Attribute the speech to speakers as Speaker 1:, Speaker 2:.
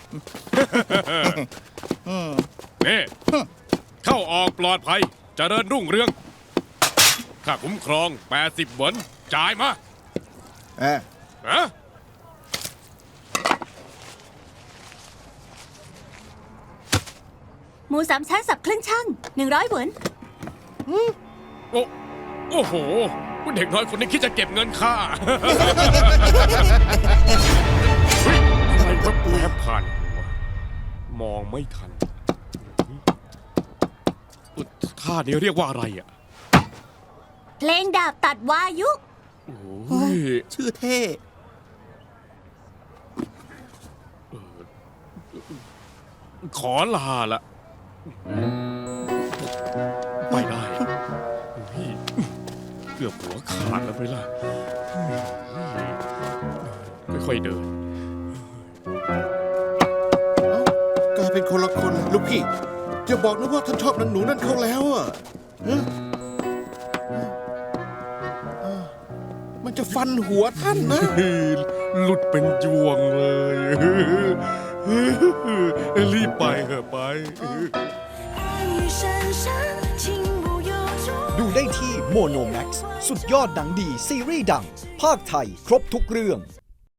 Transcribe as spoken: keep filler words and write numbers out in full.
Speaker 1: นี่เข้าออกปลอดภัยเจริญรุ่งเรืองค่าคุ้มครองแปดสิบหวนจ่ายมาเอ๊ะฮะ
Speaker 2: หมูสามชั้นสับครึ่งช่างหนึ่งร้อยหวน
Speaker 1: โอ้โอ้โหเด็กน้อยคนนี้คิดจะเก็บเงินค่าเฮ้ยอะไรแวบแวบผ่านหัวมองไม่ทันท่านี้เรียกว่าอะไรอ่ะ
Speaker 2: เพลงดาบตัดวายุ
Speaker 1: โอ้ย
Speaker 3: ชื่อเท่
Speaker 1: ขอลาละไปได้เกือบหัวขาดแล้วไปล่ะค่อยๆเดิน
Speaker 3: กลายเป็นคนละคนลูกพี่อย่าบอกนะว่าท่านชอบนางหนูนั่นเขาแล้วอ่ะฮะมันจะฟันหัวท่านนะ
Speaker 1: หลุดเป็นยวงเลย รีบไปเถอะไป
Speaker 4: ดูได้ที่โมโนแม็กซ์สุดยอดหนังดีซีรีส์ดังภาคไทยครบทุกเรื่อง